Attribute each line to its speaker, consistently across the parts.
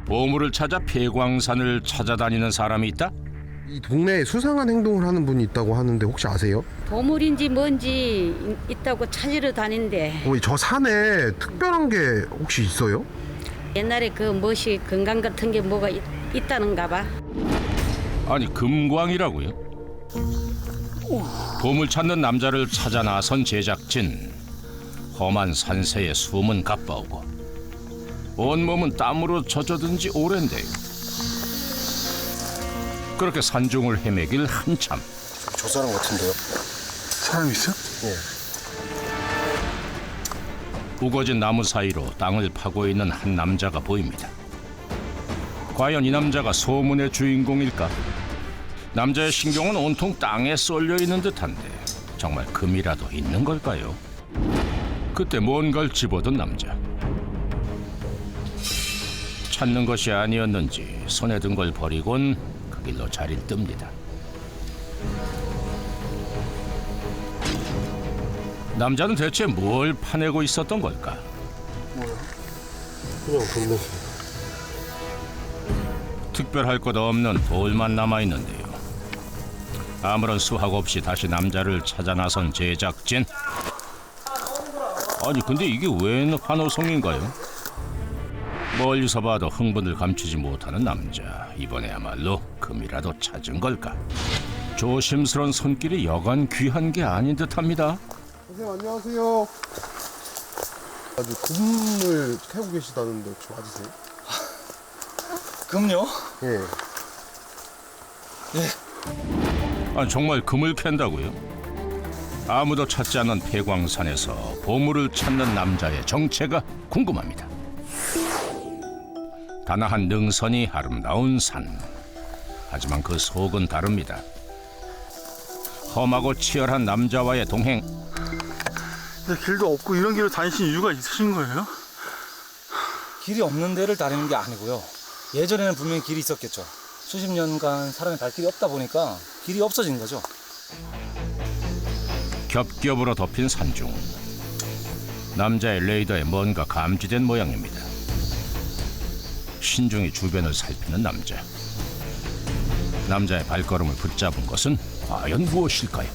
Speaker 1: 보물을 찾아 폐광산을 찾아다니는 사람이 있다?
Speaker 2: 이 동네에 수상한 행동을 하는 분이 있다고 하는데 혹시 아세요?
Speaker 3: 보물인지 뭔지 있다고 찾으러 다닌대.
Speaker 2: 저 산에 특별한 게 혹시 있어요?
Speaker 3: 옛날에 그 멋이 건강 같은 게 뭐가 있다는가 봐.
Speaker 1: 아니 금광이라고요? 보물 찾는 남자를 찾아 나선 제작진. 험한 산세에 숨은 가빠오고 온몸은 땀으로 젖어든 지 오랜데요. 그렇게 산중을 헤매길 한참.
Speaker 2: 저 사람 같은데요?
Speaker 4: 사람 있어?
Speaker 2: 네.
Speaker 1: 우거진 나무 사이로 땅을 파고 있는 한 남자가 보입니다. 과연 이 남자가 소문의 주인공일까? 남자의 신경은 온통 땅에 쏠려 있는 듯한데 정말 금이라도 있는 걸까요? 그때 뭔가를 집어든 남자. 찾는 것이 아니었는지 손에 든 걸 버리곤 그 길로 자리를 뜹니다. 남자는 대체 뭘 파내고 있었던 걸까?
Speaker 2: 그냥 동네.
Speaker 1: 특별할 것 없는 돌만 남아있는데요. 아무런 수확 없이 다시 남자를 찾아 나선 제작진. 아니 근데 이게 웬 환호성인가요? 멀리서 봐도 흥분을 감추지 못하는 남자. 이번에야말로 금이라도 찾은 걸까? 조심스런 손길이 여간 귀한 게 아닌 듯합니다.
Speaker 2: 선생님 안녕하세요. 아주 금을 캐고 계시다는데 혹시 맞으세요?
Speaker 4: 금요?
Speaker 2: 예.
Speaker 1: 아니 정말 금을 캔다고요? 아무도 찾지 않는 폐광산에서 보물을 찾는 남자의 정체가 궁금합니다. 다나한 능선이 아름다운 산. 하지만 그 속은 다릅니다. 험하고 치열한 남자와의 동행.
Speaker 4: 근데 길도 없고 이런 길을 다니신 이유가 있으신 거예요?
Speaker 5: 길이 없는 데를 다니는 게 아니고요. 예전에는 분명히 길이 있었겠죠. 수십 년간 사람의 발길이 없다 보니까 길이 없어진 거죠.
Speaker 1: 겹겹으로 덮인 산중. 남자의 레이더에 뭔가 감지된 모양입니다. 신중히 주변을 살피는 남자. 남자의 발걸음을 붙잡은 것은 과연 무엇일까요?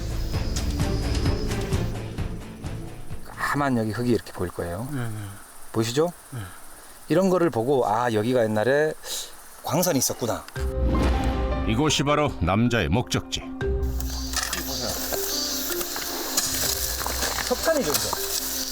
Speaker 5: 까만 여기 흙이 이렇게 보일 거예요. 보이시죠? 이런 거를 보고 아 여기가 옛날에 광산이 있었구나.
Speaker 1: 이곳이 바로 남자의 목적지.
Speaker 5: 석탄이죠, 이거.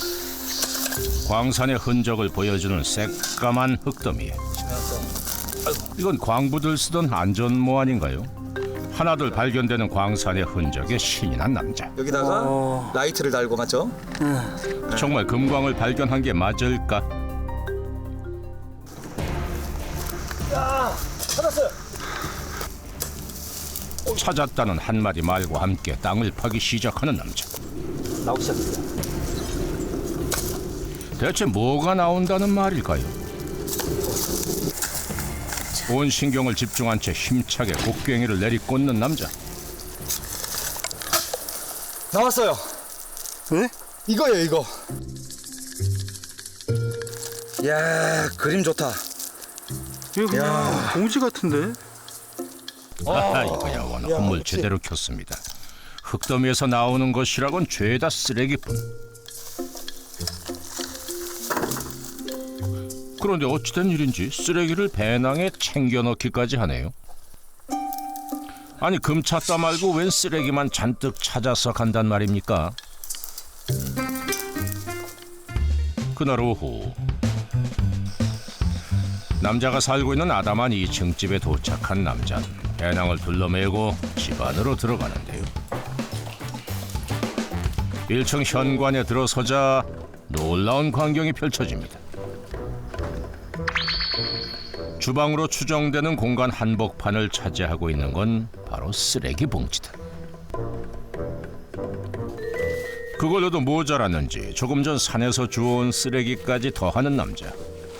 Speaker 1: 광산의 흔적을 보여주는 새까만 흙더미에 이건 광부들 쓰던 안전모 아닌가요? 하나둘 발견되는 광산의 흔적에 신이 난 남자.
Speaker 5: 여기다가 라이트를 달고 맞죠?
Speaker 1: 정말 금광을 발견한 게 맞을까?
Speaker 5: 찾았어요.
Speaker 1: 찾았다는 한마디 말과 함께 땅을 파기 시작하는 남자.
Speaker 5: 나오기 시작했어요.
Speaker 1: 대체 뭐가 나온다는 말일까요? 온 신경을 집중한 채 힘차게 곡괭이를 내리꽂는 남자.
Speaker 5: 나왔어요.
Speaker 4: 네?
Speaker 5: 이거예요, 이거. 이야, 그림 좋다.
Speaker 4: 이거 그냥 봉지 같은데?
Speaker 1: 아하, 이거야 원 헛물 제대로 켰습니다. 흙더미에서 나오는 것이라곤 죄다 쓰레기뿐. 그런데 어찌된 일인지 쓰레기를 배낭에 챙겨 넣기까지 하네요. 아니 금 찾다 말고 웬 쓰레기만 잔뜩 찾아서 간단 말입니까? 그날 오후 남자가 살고 있는 아담한 2층 집에 도착한 남자는 배낭을 둘러매고 집 안으로 들어가는데요. 1층 현관에 들어서자 놀라운 광경이 펼쳐집니다. 주방으로 추정되는 공간 한복판을 차지하고 있는 건 바로 쓰레기 봉지다. 그걸로도 모자랐는지 조금 전 산에서 주워온 쓰레기까지 더하는 남자.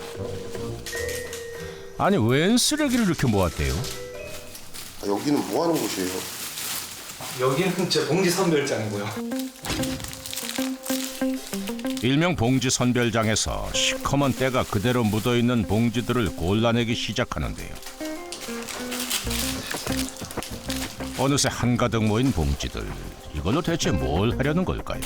Speaker 1: 아니 웬 쓰레기를 이렇게 모았대요?
Speaker 2: 여기는 뭐 하는 곳이에요?
Speaker 5: 여기는 제 봉지 선별장이고요.
Speaker 1: 일명 봉지 선별장에서 시커먼 때가 그대로 묻어있는 봉지들을 골라내기 시작하는데요. 어느새 한가득 모인 봉지들. 이걸로 대체 뭘 하려는 걸까요?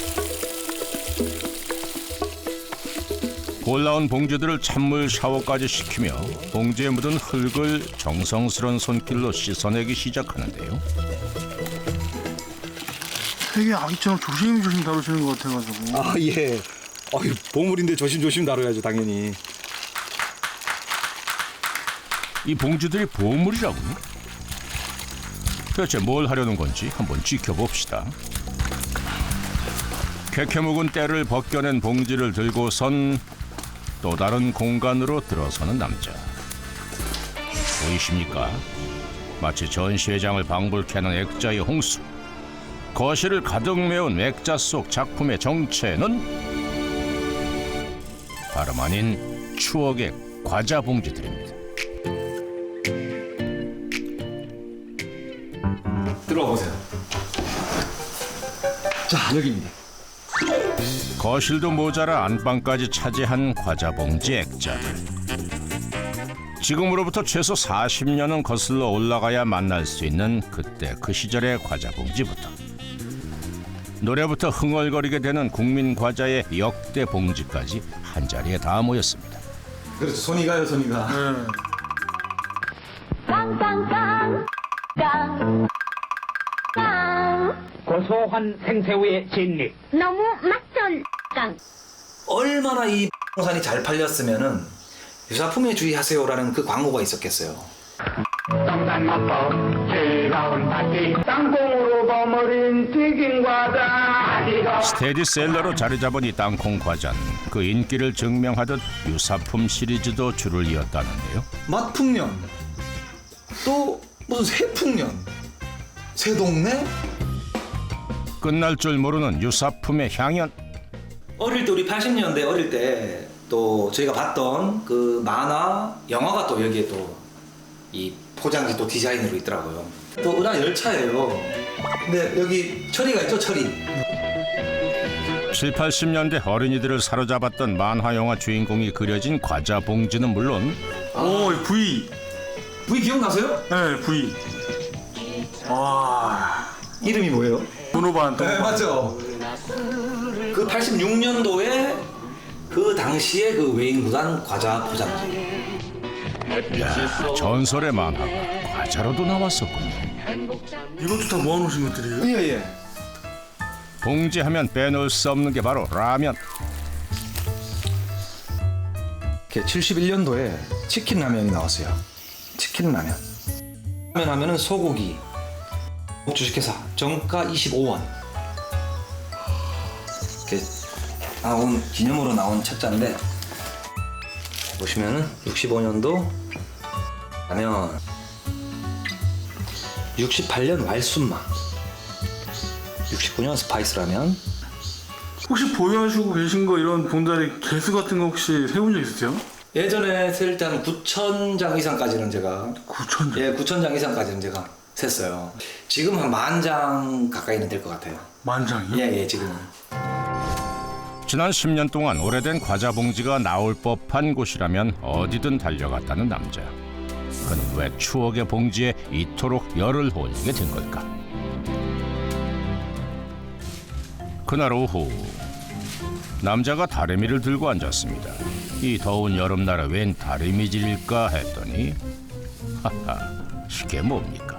Speaker 1: 골라온 봉지들을 찬물 샤워까지 시키며 봉지에 묻은 흙을 정성스런 손길로 씻어내기 시작하는데요.
Speaker 4: 되게 아기처럼 조심조심 다루시는 것 같아가지고.
Speaker 5: 아 예. 보물인데 조심조심 다뤄야죠 당연히.
Speaker 1: 이 봉지들이 보물이라고요? 대체 뭘 하려는 건지 한번 지켜봅시다. 캐캐 묵은 때를 벗겨낸 봉지를 들고선 또 다른 공간으로 들어서는 남자. 보이십니까? 마치 전시회장을 방불케 하는 액자의 홍수. 거실을 가득 메운 액자 속 작품의 정체는 다름 아닌 추억의 과자 봉지들입니다.
Speaker 5: 들어와 보세요. 자 여기입니다.
Speaker 1: 거실도 모자라 안방까지 차지한 과자 봉지 액자들. 지금으로부터 최소 40년은 거슬러 올라가야 만날 수 있는 그때 그 시절의 과자 봉지부터 노래부터 흥얼거리게 되는 국민 과자의 역대 봉지까지 한자리에 다 모였습니다.
Speaker 5: 그렇죠. 손이 가요 손이 가.
Speaker 4: 네.
Speaker 6: 깡깡깡 깡
Speaker 7: 고소한 생새우의 진리.
Speaker 6: 너무 맛전 깡
Speaker 5: 얼마나 이 산이 잘 팔렸으면은 유사품에 주의하세요라는 그 광고가 있었겠어요.
Speaker 7: 동산마법 즐거운 파티. 땅콩으로 버무린 튀김 과자.
Speaker 1: 스테디셀러로 자리 잡은 이 땅콩 과자는 그 인기를 증명하듯 유사품 시리즈도 줄을 이었다는데요.
Speaker 5: 맛풍년 또 무슨 새풍년 새동네.
Speaker 1: 끝날 줄 모르는 유사품의 향연.
Speaker 5: 어릴 때 우리 80년대 어릴 때 또 저희가 봤던 그 만화 영화가 또 여기에 또 이 포장지 또 디자인으로 있더라고요. 또 은하 열차예요. 근데 여기 철이가 있죠 철이.
Speaker 1: 7, 80년대 어린이들을 사로잡았던 만화 영화 주인공이 그려진 과자 봉지는 물론
Speaker 4: 오, V.
Speaker 5: V 기억나세요?
Speaker 4: 네, V. 와.
Speaker 5: 이름이 뭐예요?
Speaker 4: 도노반.
Speaker 5: 네 맞죠. 그 86년도에 그 당시에 그 외인구단 과자 포장지.
Speaker 1: 전설의 만화가 과자로도 나왔었군요.
Speaker 4: 이것도 다 모아놓으신 것들이에요?
Speaker 5: 예예.
Speaker 1: 봉지하면 빼놓을 수 없는 게 바로 라면.
Speaker 5: 71년도에 치킨 라면이 나왔어요. 치킨 라면. 라면 하면은 소고기. 주식회사 정가 25원. 이렇게 나온 기념으로 나온 책자인데 보시면은 65년도 라면, 68년 왈순마, 69년 스파이스 라면.
Speaker 4: 혹시 보유하시고 계신 거 이런 봉다리 개수 같은 거 혹시 세운 적 있으세요?
Speaker 5: 예전에 셀 때 한 9,000장 이상까지는 제가
Speaker 4: 9,000장?
Speaker 5: 예, 9,000장 이상까지는 제가 셌어요. 지금 한 10,000장 가까이는 될 것 같아요.
Speaker 4: 10,000장이요?
Speaker 5: 예, 지금은.
Speaker 1: 지난 10년 동안 오래된 과자 봉지가 나올 법한 곳이라면 어디든 달려갔다는 남자. 그는 왜 추억의 봉지에 이토록 열을 올리게 된 걸까? 그날 오후 남자가 다리미를 들고 앉았습니다. 이 더운 여름날에 웬 다리미질일까 했더니 하하, 이게 뭡니까?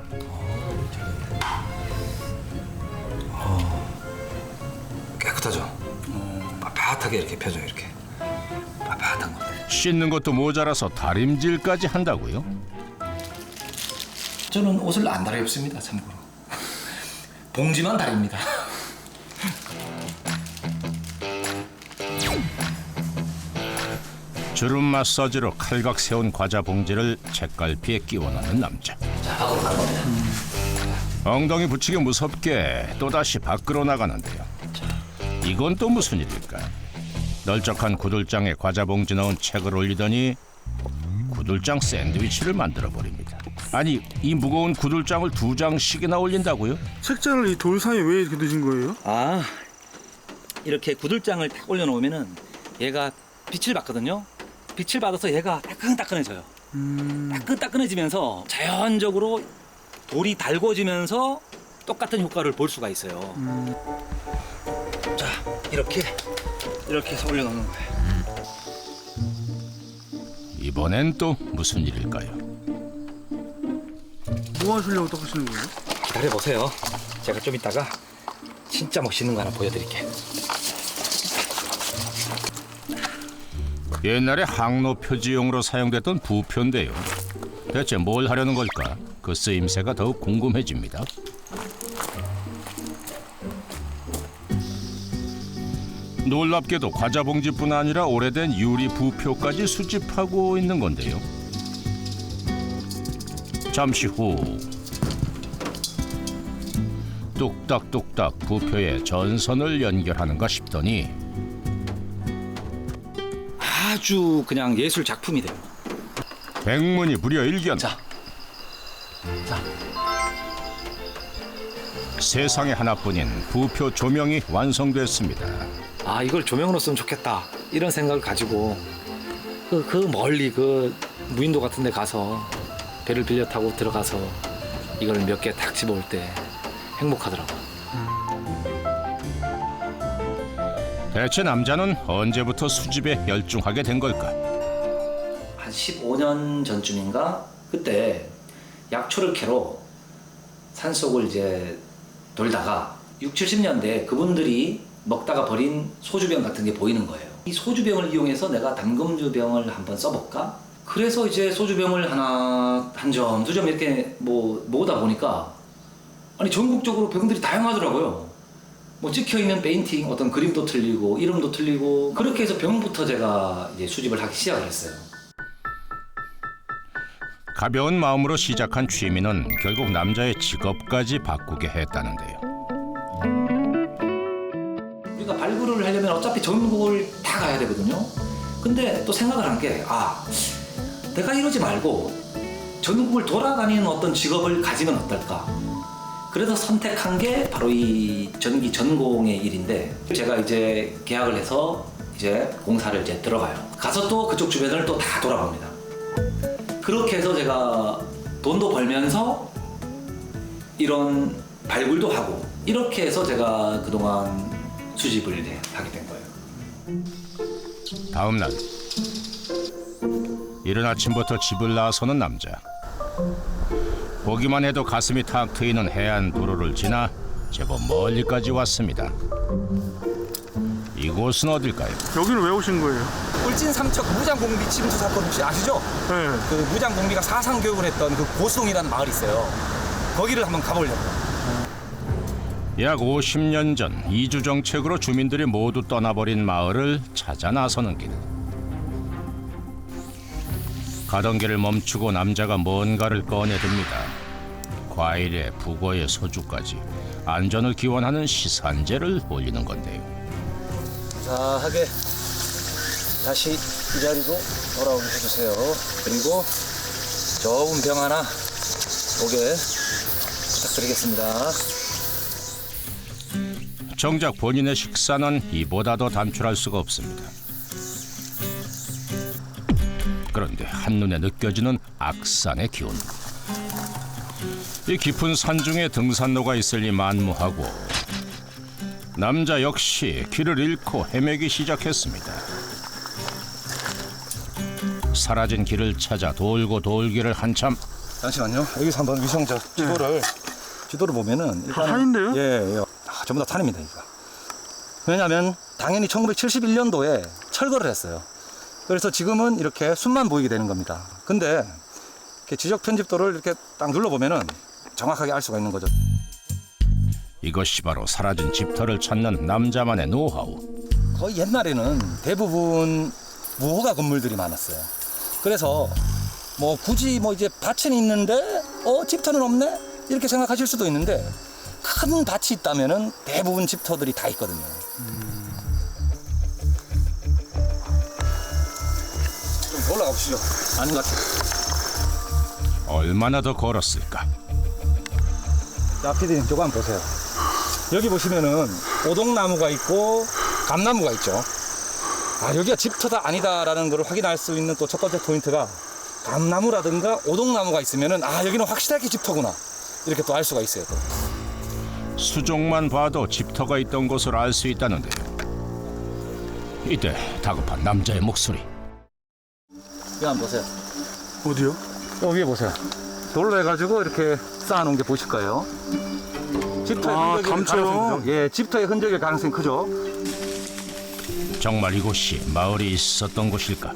Speaker 5: 깨끗하죠? 빳빳하게 이렇게 펴져 이렇게 빳빳한 건데.
Speaker 1: 씻는 것도 모자라서 다림질까지 한다고요?
Speaker 5: 저는 옷을 안 다려입습니다 참고로. 봉지만 다립니다.
Speaker 1: 주름 마사지로 칼각 세운 과자 봉지를 책갈피에 끼워 넣는 남자.
Speaker 5: 자, 밖으로 가는 겁니다.
Speaker 1: 엉덩이 붙이기 무섭게 또다시 밖으로 나가는데요. 이건 또 무슨 일일까? 널쩍한 구들장에 과자 봉지 넣은 책을 올리더니 구들장 샌드위치를 만들어 버립니다. 아니, 이 무거운 구들장을 2장씩이나 올린다고요?
Speaker 4: 책자를 이 돌 사이에 왜 이렇게 두신 거예요?
Speaker 5: 아, 이렇게 구들장을 딱 올려놓으면은 얘가 빛을 받거든요. 빛을 받아서 얘가 따끈따끈해져요. 따끈따끈해지면서 자연적으로 돌이 달궈지면서 똑같은 효과를 볼 수가 있어요. 자, 이렇게 해서 올려놓는 거예요.
Speaker 1: 이번엔 또 무슨 일일까요?
Speaker 4: 뭐 하시려고 닦으시는 거예요?
Speaker 5: 기다려보세요. 제가 좀 이따가 진짜 멋있는 거 하나 보여드릴게요.
Speaker 1: 옛날에 항로 표지용으로 사용됐던 부표인데요. 대체 뭘 하려는 걸까? 그 쓰임새가 더욱 궁금해집니다. 놀랍게도 과자 봉지뿐 아니라 오래된 유리 부표까지 수집하고 있는 건데요. 잠시 후 뚝딱뚝딱 부표에 전선을 연결하는가 싶더니
Speaker 5: 아주 그냥 예술 작품이 돼요.
Speaker 1: 백문이 불여일견.
Speaker 5: 자.
Speaker 1: 세상에 하나뿐인 부표 조명이 완성됐습니다.
Speaker 5: 아, 이걸 조명으로 쓰면 좋겠다 이런 생각을 가지고 그 멀리 그 무인도 같은 데 가서 배를 빌려 타고 들어가서 이걸 몇 개 탁 집어올 때 행복하더라고요.
Speaker 1: 대체 남자는 언제부터 수집에 열중하게 된 걸까?
Speaker 5: 한 15년 전쯤인가 그때 약초를 캐러 산속을 이제 돌다가 60, 70년대 그분들이 먹다가 버린 소주병 같은 게 보이는 거예요. 이 소주병을 이용해서 내가 담금주병을 한번 써볼까? 그래서 이제 소주병을 하나, 한 점, 두 점 이렇게 모으다 보니까 아니 전국적으로 병들이 다양하더라고요. 뭐 찍혀있는 페인팅, 어떤 그림도 틀리고 이름도 틀리고 그렇게 해서 병부터 제가 이제 수집을 하기 시작을 했어요.
Speaker 1: 가벼운 마음으로 시작한 취미는 결국 남자의 직업까지 바꾸게 했다는데요.
Speaker 5: 우리가 발굴을 하려면 어차피 전국을 다 가야 되거든요. 근데 또 생각을 한 게 내가 이러지 말고 전국을 돌아다니는 어떤 직업을 가지면 어떨까. 그래서 선택한 게 바로 이 전기 전공의 일인데 제가 이제 계약을 해서 이제 공사를 이제 들어가요. 가서 또 그쪽 주변을 또 다 돌아봅니다. 그렇게 해서 제가 돈도 벌면서 이런 발굴도 하고 이렇게 해서 제가 그동안 수집을 하게 된 거예요.
Speaker 1: 다음 날 이른 아침부터 집을 나서는 남자. 보기만 해도 가슴이 탁 트이는 해안 도로를 지나 제법 멀리까지 왔습니다. 이곳은 어딜까요?
Speaker 4: 여기는 왜 오신 거예요?
Speaker 8: 울진 삼척 무장공비 침수 사건 혹시 아시죠?
Speaker 4: 네.
Speaker 8: 그 무장공비가 사상 교육을 했던 그 고수동이라는 마을이 있어요. 거기를 한번 가보려고요.
Speaker 1: 약 50년 전 이주 정책으로 주민들이 모두 떠나버린 마을을 찾아 나서는 길. 가던 길을 멈추고 남자가 뭔가를 꺼내듭니다. 과일에 북어에 소주까지 안전을 기원하는 시산제를 올리는 건데요.
Speaker 8: 자하게 다시 이 자리로 돌아오게 해주세요. 그리고 좋은 병 하나 오게 부탁드리겠습니다.
Speaker 1: 정작 본인의 식사는 이보다 더 단출할 수가 없습니다. 그런데 한눈에 느껴지는 악산의 기운. 이 깊은 산중에 등산로가 있을리 만무하고 남자 역시 길을 잃고 헤매기 시작했습니다. 사라진 길을 찾아 돌고 돌기를 한참.
Speaker 8: 잠시만요. 여기서 한번 위성 지도를 보면은 일단
Speaker 4: 산인데요?
Speaker 8: 예. 전부 다 산입니다, 이거. 왜냐하면 당연히 1971년도에 철거를 했어요. 그래서 지금은 이렇게 숲만 보이게 되는 겁니다. 근데 이렇게 지적 편집도를 이렇게 딱 눌러보면은 정확하게 알 수가 있는 거죠.
Speaker 1: 이것이 바로 사라진 집터를 찾는 남자만의 노하우.
Speaker 8: 거의 옛날에는 대부분 무허가 건물들이 많았어요. 그래서 뭐 굳이 뭐 이제 밭은 있는데 집터는 없네? 이렇게 생각하실 수도 있는데 큰 밭이 있다면은 대부분 집터들이 다 있거든요. 좀 올라가 보시죠. 아닌 것 같아요.
Speaker 1: 얼마나 더 걸었을까?
Speaker 8: 자, 피디님 저거 한번 보세요. 여기 보시면은 오동나무가 있고 감나무가 있죠. 여기가 집터다 아니다라는 걸 확인할 수 있는 또 첫 번째 포인트가 감나무라든가 오동나무가 있으면은 여기는 확실하게 집터구나 이렇게 또 알 수가 있어요. 또.
Speaker 1: 수종만 봐도 집터가 있던 것을 알 수 있다는데요. 이때 다급한 남자의 목소리.
Speaker 8: 여기 한번 보세요.
Speaker 4: 어디요?
Speaker 8: 위에 보세요. 돌로 해가지고 이렇게 쌓아놓은 게 보실 거예요. 집터의 흔적일
Speaker 4: 감춰요.
Speaker 8: 가능성이 크죠? 예, 집터의 흔적일 가능성이 크죠.
Speaker 1: 정말 이곳이 마을이 있었던 곳일까?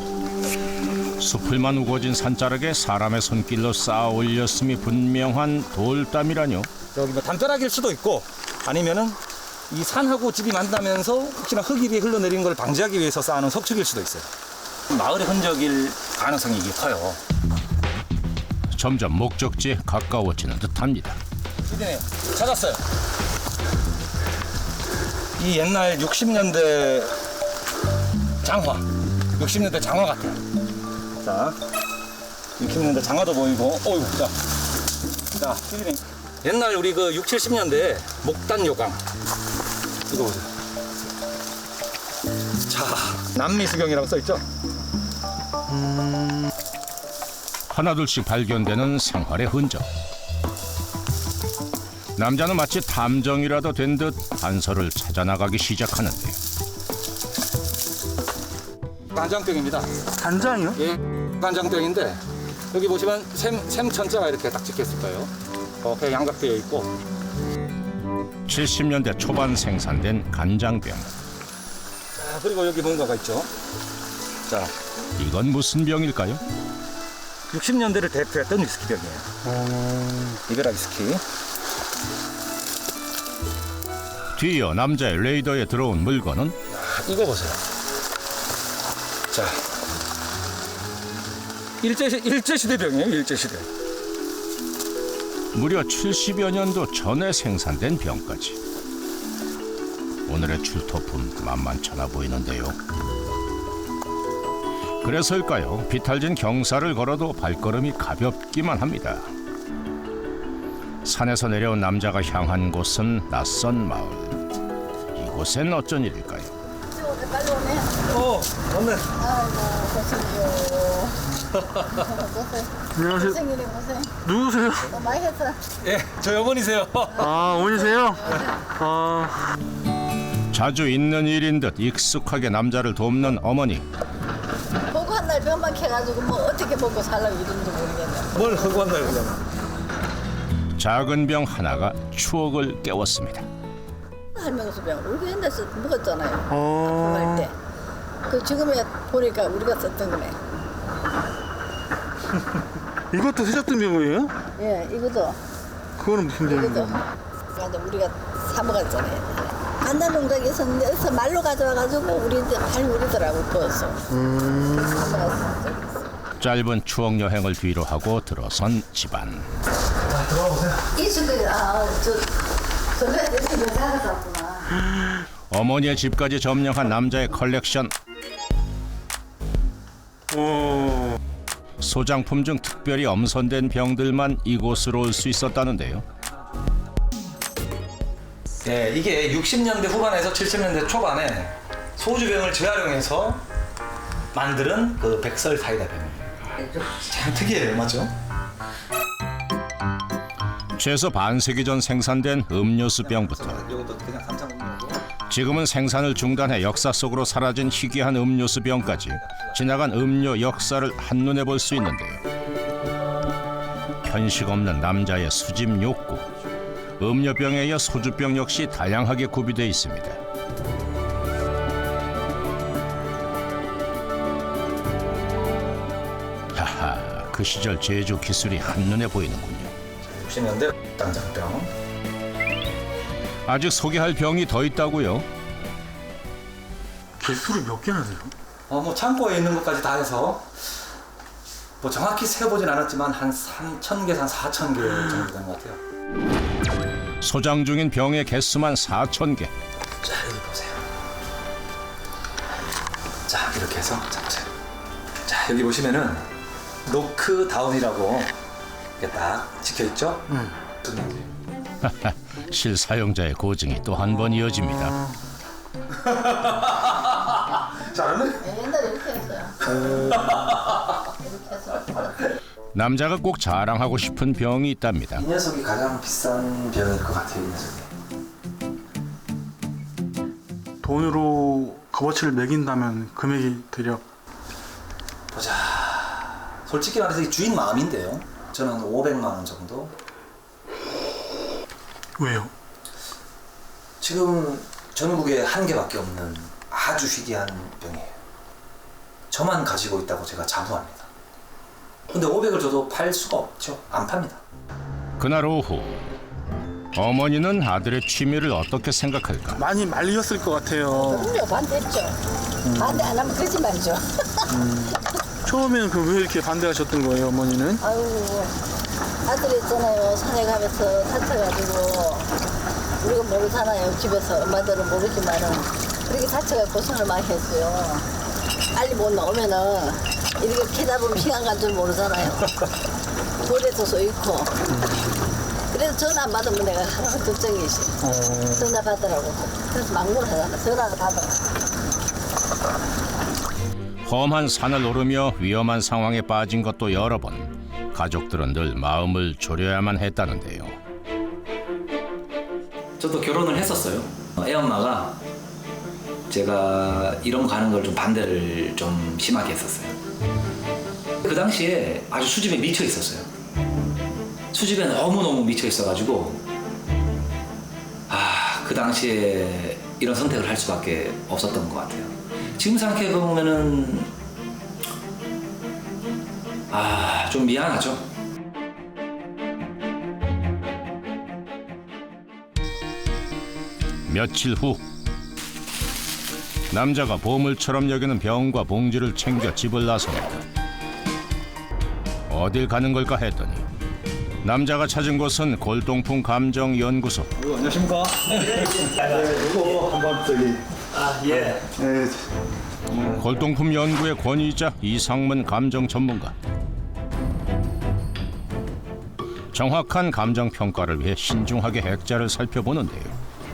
Speaker 1: 숲을만 우거진 산자락에 사람의 손길로 쌓아 올렸음이 분명한 돌담이라뇨.
Speaker 8: 여기 뭐 담벼락일 수도 있고 아니면은 이 산하고 집이 만나면서 혹시나 흙이 위에 흘러내리는 걸 방지하기 위해서 쌓아놓은 석축일 수도 있어요. 마을의 흔적일 가능성이 이게 커요.
Speaker 1: 점점 목적지에 가까워지는 듯합니다.
Speaker 8: 피디님 찾았어요. 이 옛날 60년대 장화, 60년대 장화 같아요. 자, 60년대 장화도 보이고, 자, 피디님. 옛날 우리 그 60, 70년대 목단 요강. 이거 보세요. 자, 남미수경이라고 써있죠?
Speaker 1: 하나둘씩 발견되는 생활의 흔적. 남자는 마치 탐정이라도 된 듯 단서를 찾아나가기 시작하는데요.
Speaker 8: 간장병입니다.
Speaker 4: 간장이요?
Speaker 8: 예, 간장병인데 여기 보시면 샘천자가 이렇게 딱 찍혔을 거예요. 이렇게 양각되어 있고.
Speaker 1: 70년대 초반 생산된 간장병.
Speaker 8: 자, 그리고 여기 뭔가가 있죠. 자,
Speaker 1: 이건 무슨 병일까요?
Speaker 8: 60년대를 대표했던 위스키병이에요. 이베라 위스키.
Speaker 1: 뒤이어 남자의 레이더에 들어온 물건은
Speaker 8: 이거 보세요. 자, 일제시대병이에요. 일제시대.
Speaker 1: 무려 70여 년도 전에 생산된 병까지. 오늘의 출토품 만만찮아 보이는데요. 그래서일까요? 비탈진 경사를 걸어도 발걸음이 가볍기만 합니다. 산에서 내려온 남자가 향한 곳은 낯선 마을. 이곳엔 어쩐 일일까요?
Speaker 8: 맞네.
Speaker 4: 안녕하세요. 누구세요?
Speaker 8: 예, 저희 어머니세요.
Speaker 4: 어머니세요?
Speaker 1: 자주 있는 일인 듯 익숙하게 남자를 돕는 어머니.
Speaker 9: 보고 한 날 병만 캐가지고 뭐 어떻게 먹고 살라고 이런지 모르겠네.
Speaker 8: 뭘 하고 왔나요, 그냥?
Speaker 1: 작은 병 하나가 추억을 깨웠습니다.
Speaker 9: 할명수 병 우리 옛날에 먹었잖아요. 갈 때. 그 지금에 보니까 우리가 썼던 거네.
Speaker 4: 이것도 세졌던 병이에요?
Speaker 9: 예, 이것도
Speaker 4: 그거는 무슨
Speaker 9: 이것도
Speaker 4: 병이에요?
Speaker 9: 맞아 우리가 사 먹었잖아요. 간장 농장에 있었는데 여기서 말로 가져와가지고 우리 이제 발물이더라고 부어서.
Speaker 1: 짧은 추억 여행을 뒤로 하고 들어선 집안.
Speaker 9: 이 친구들 저번에 내 집에 살았었구나.
Speaker 1: 어머니의 집까지 점령한 남자의 컬렉션. 소장품 중 특별히 엄선된 병들만 이곳으로 올 수 있었다는데요.
Speaker 5: 네, 이게 60년대 후반에서 70년대 초반에 소주병을 재활용해서 만드는 그 백설 사이다 병입니다. 참 특이해요, 맞죠?
Speaker 1: 최소 반세기 전 생산된 음료수병부터
Speaker 5: 이것도 그냥 삼상 음료고.
Speaker 1: 지금은 생산을 중단해 역사 속으로 사라진 희귀한 음료수병까지 지나간 음료 역사를 한눈에 볼 수 있는데요. 편식 없는 남자의 수집 욕구. 음료병에 이어 소주병 역시 다양하게 구비되어 있습니다. 하하, 그 시절 제조 기술이 한눈에 보이는군요.
Speaker 5: 60년대 당장병.
Speaker 1: 아직 소개할 병이 더 있다고요?
Speaker 4: 개수를 몇 개나 돼요?
Speaker 5: 뭐 창고에 있는 것까지 다 해서 뭐 정확히 세어보진 않았지만 한 3,000개, 한 4,000개 정도 되는 것 같아요.
Speaker 1: 소장 중인 병의 개수만 4,000개.
Speaker 5: 자, 여기 보세요. 자, 이렇게 해서 자, 보세요. 자, 여기 보시면은 노크다운이라고 이렇게 딱 찍혀있죠?
Speaker 1: 실사용자의 고증이 또 한 번 이어집니다.
Speaker 4: 잘하네?
Speaker 9: 네, 옛날에 이렇게 했어요. 이렇게 해서.
Speaker 1: 남자가 꼭 자랑하고 싶은 병이 있답니다.
Speaker 5: 이 녀석이 가장 비싼 병일 것 같아요. 이 녀석이.
Speaker 4: 돈으로 값어치를 매긴다면 금액이 대략
Speaker 5: 보자. 솔직히 말해서 이 주인 마음인데요. 저는 500만 원 정도.
Speaker 4: 왜요?
Speaker 5: 지금 전국에 한 개밖에 없는 아주 희귀한 병이에요. 저만 가지고 있다고 제가 자부합니다. 근데 500을 줘도 팔 수가 없죠. 안 팝니다.
Speaker 1: 그날 오후 어머니는 아들의 취미를 어떻게 생각할까?
Speaker 4: 많이 말리셨을 것 같아요.
Speaker 9: 그럼요, 반대했죠. 반대 안 하면 거짓말이죠.
Speaker 4: 처음에는 그 왜 이렇게 반대하셨던 거예요, 어머니는?
Speaker 9: 아유, 아들이 있잖아요. 산에 가면서 다쳐가지고 우리가 모르잖아요. 집에서 엄마들은 모르지만은 그렇게 다쳐가 고생을 많이 했어요. 빨리 못 나오면은 이렇게 캐다 보면 시간 간 줄 모르잖아요. 돌에도 서 있고. 그래서 전화 안 받으면 내가 하나가 걱정이지. 전화 받으라고. 그래서 막무를 하잖아. 전화를 받으라.
Speaker 1: 험한 산을 오르며 위험한 상황에 빠진 것도 여러 번. 가족들은 늘 마음을 졸여야만 했다는데요.
Speaker 5: 저도 결혼을 했었어요. 애엄마가 제가 이런 거 가는 걸 좀 반대를 좀 심하게 했었어요. 그 당시에 아주 수집에 미쳐 있었어요. 수집에 너무너무 미쳐 있어가지고 그 당시에 이런 선택을 할 수밖에 없었던 것 같아요. 지금 생각해 보면은 좀 미안하죠.
Speaker 1: 며칠 후 남자가 보물처럼 여기는 병과 봉지를 챙겨 집을 나섭니다. 어딜 가는 걸까 했더니 남자가 찾은 곳은 골동품 감정연구소.
Speaker 8: 안녕하십니까?
Speaker 4: 이거 한번 저기.
Speaker 8: 예.
Speaker 1: 골동품 연구의 권위자 이상문 감정 전문가. 정확한 감정 평가를 위해 신중하게 액자를 살펴보는데요.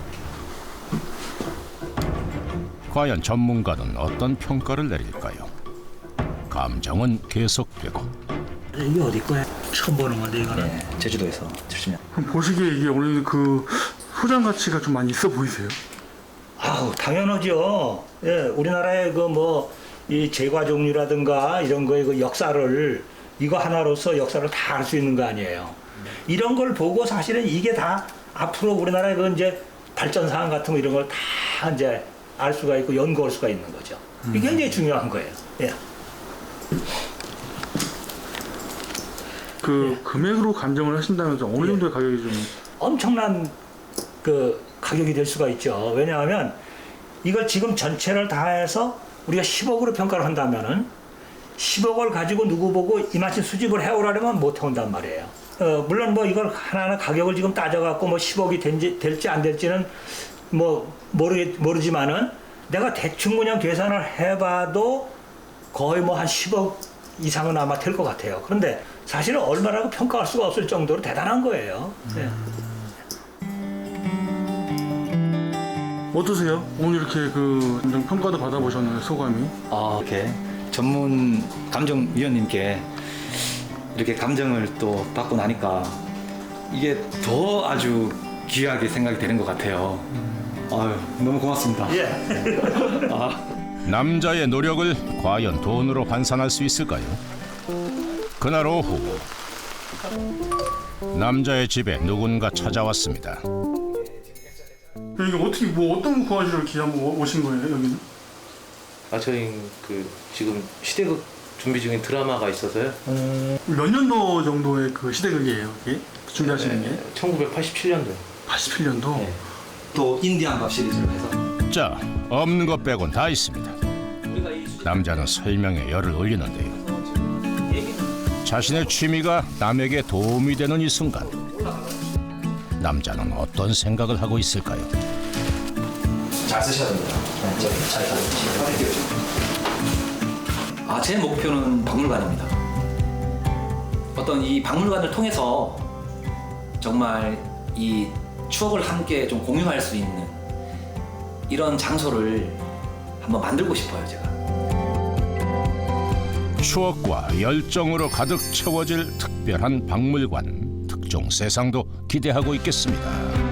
Speaker 1: 과연 전문가는 어떤 평가를 내릴까요? 감정은 계속되고.
Speaker 10: 이게 어디 거야? 처음 보는 건데 이거는.
Speaker 5: 네, 제주도에서 70년.
Speaker 4: 그럼 보시기에 이게 원래 그 소장 가치가 좀 많이 있어 보이세요?
Speaker 10: 아우 당연하죠. 예, 우리나라의 그 뭐 이 제과 종류라든가 이런 거의 그 역사를 이거 하나로서 역사를 다 알 수 있는 거 아니에요. 이런 걸 보고 사실은 이게 다 앞으로 우리나라의 그 이제 발전 사항 같은 거 이런 걸 다 이제 알 수가 있고 연구할 수가 있는 거죠. 이게 굉장히 중요한 거예요. 예.
Speaker 4: 그 금액으로 감정을 하신다면 좀 어느 정도의 가격이 좀
Speaker 10: 엄청난 그 가격이 될 수가 있죠. 왜냐하면 이걸 지금 전체를 다 해서 우리가 10억으로 평가를 한다면은 10억을 가지고 누구 보고 이만큼 수집을 해오라면 못 해온단 말이에요. 물론 뭐 이걸 하나하나 가격을 지금 따져갖고 뭐 10억이 될지 안 될지는 뭐 모르지만은 내가 대충 그냥 계산을 해봐도 거의 뭐 한 10억 이상은 아마 될 것 같아요. 그런데 사실은 얼마라고 평가할 수가 없을 정도로 대단한 거예요. 네.
Speaker 4: 어떠세요? 오늘 이렇게 그 감정 평가도 받아보셨나요? 소감이?
Speaker 5: 이렇게 전문 감정위원님께 이렇게 감정을 또 받고 나니까 이게 더 아주 귀하게 생각이 되는 것 같아요. 너무 고맙습니다.
Speaker 1: 남자의 노력을 과연 돈으로 환산할 수 있을까요? 그날 오후 남자의 집에 누군가 찾아왔습니다.
Speaker 4: 이게 어떻게 뭐 어떤 거 구하시러 이렇게 한번 오신 거예요 여기는?
Speaker 11: 저희 그 지금 시대극 준비 중인 드라마가 있어서요.
Speaker 4: 몇 년도 정도의 그 시대극이에요 이게 준비하시는 게?
Speaker 11: 1987년도.
Speaker 4: 87년도?
Speaker 5: 네. 또 인디안 밥 시리즈로 해서.
Speaker 1: 자, 없는 것 빼곤 다 있습니다. 남자는 설명에 열을 올리는데요. 자신의 취미가 남에게 도움이 되는 이 순간, 남자는 어떤 생각을 하고 있을까요?
Speaker 5: 잘 쓰셔야 됩니다. 제 목표는 박물관입니다. 어떤 이 박물관을 통해서 정말 이 추억을 함께 좀 공유할 수 있는 이런 장소를 한번 만들고 싶어요, 제가.
Speaker 1: 추억과 열정으로 가득 채워질 특별한 박물관, 특종 세상도 기대하고 있겠습니다.